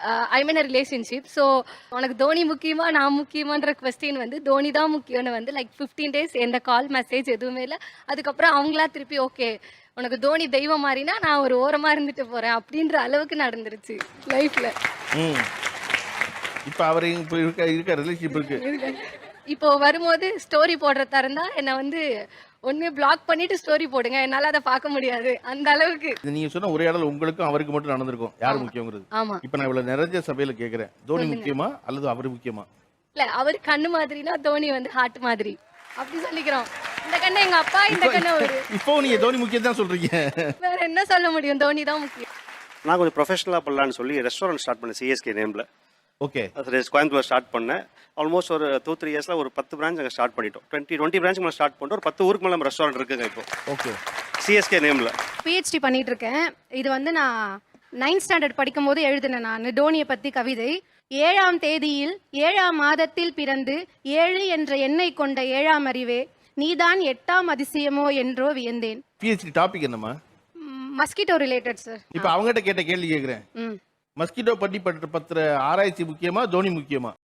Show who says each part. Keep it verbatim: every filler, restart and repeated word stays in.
Speaker 1: ஐ மீன் relationship. So உனக்கு தோனி முக்கியமா நான் முக்கியமான்ற கொஸ்டின் வந்து தோனி தான் முக்கியம்னு வந்து லைக் ஃபிஃப்டீன் டேஸ் எந்த கால் மெசேஜ் எதுவுமே இல்லை. அதுக்கப்புறம் அவங்களா திருப்பி ஓகே உனக்கு தோனி தெய்வம் மாதிரினா நான் ஒரு ஓரமா இருந்துட்டு போறேன் அப்படின்ற அளவுக்கு நடந்துருச்சு லைஃப்ல.
Speaker 2: இப்போ அவர் இப்போ இருக்க இருக்க ரிலேஷன்ஷிப் இருக்கு.
Speaker 1: இப்போ வரும்போது ஸ்டோரி போடுறதா இருந்தா என்னை வந்து ஒன்னு பிளாக் பண்ணிட்டு ஸ்டோரி போடுங்க, என்னால அதை பார்க்க முடியாது அந்த அளவுக்கு.
Speaker 2: நீங்க சொன்ன உரையாடல் உங்களுக்கும் அவருக்கு மட்டும் நடந்திருக்கும், யார் முக்கியங்கிறது.
Speaker 1: ஆமா.
Speaker 2: இப்போ நான் இவ்வளவு நிறைய சபையில கேட்கிறேன், தோனி முக்கியமா அல்லது அவர் முக்கியமா?
Speaker 1: இல்ல அவர் கண்ணு மாதிரினா தோனி வந்து ஹார்ட் மாதிரி அப்படி சொல்லிக்கிறோம். இந்த கண்ணு எங்க அப்பா, இந்த கண்ணு அவரு.
Speaker 2: இப்போ நீங்க தோனி முக்கியம் தான் சொல்றீங்க,
Speaker 1: வேற என்ன சொல்ல முடியும், தோனி தான் முக்கியம்.
Speaker 3: நான் கொஞ்சம் ப்ரொஃபஷனலா பண்ணலான்னு சொல்லி ரெஸ்டாரண்ட் ஸ்டார்ட் பண்ணேன் சிஎஸ்கே நேம்ல.
Speaker 2: ஓகே.
Speaker 3: அது கோயம்புத்தூர் ஸ்டார்ட் பண்ணேன். ஆல்மோஸ்ட் ஒரு டூ த்ரீ இயர்ஸ்ல ஒரு பத்து பிரான்ச் அங்கே ஸ்டார்ட் பண்ணிட்டோம். டுவெண்ட்டி டுவெண்ட்டி பிரான்ச் மேலே ஸ்டார்ட் பண்ணிட்டோம். ஒரு பத்து ஊருக்கு மேலே நம்ம ரெஸ்டாரண்ட் இருக்குங்க இப்போ.
Speaker 2: ஓகே.
Speaker 3: சிஎஸ்கே நேம்ல
Speaker 4: பிஹெச்டி பண்ணிட்டு இருக்கேன். இது வந்து நான் நைன்த் ஸ்டாண்டர்ட் படிக்கும் போது எழுதினேன் நான் டோனியை பத்தி கவிதை. ஏழாம் தேதியில் ஏழாம் மாதத்தில் பிறந்து ஏழு என்ற எண்ணை கொண்ட ஏழாம் அறிவே நீதான் எட்டாம் அதிசயமோ என்றோ வியந்தேன்.
Speaker 2: பிஹெச்டி டாபிக் என்னமா?
Speaker 4: Mosquito related sir.
Speaker 2: இப்போ அவங்ககிட்ட கேட்ட கேள்வி கேட்கிறேன். மஸ்கிட்டோ பற்றி பற்ற பத்திர ஆராய்ச்சி முக்கியமா தோனி முக்கியமா?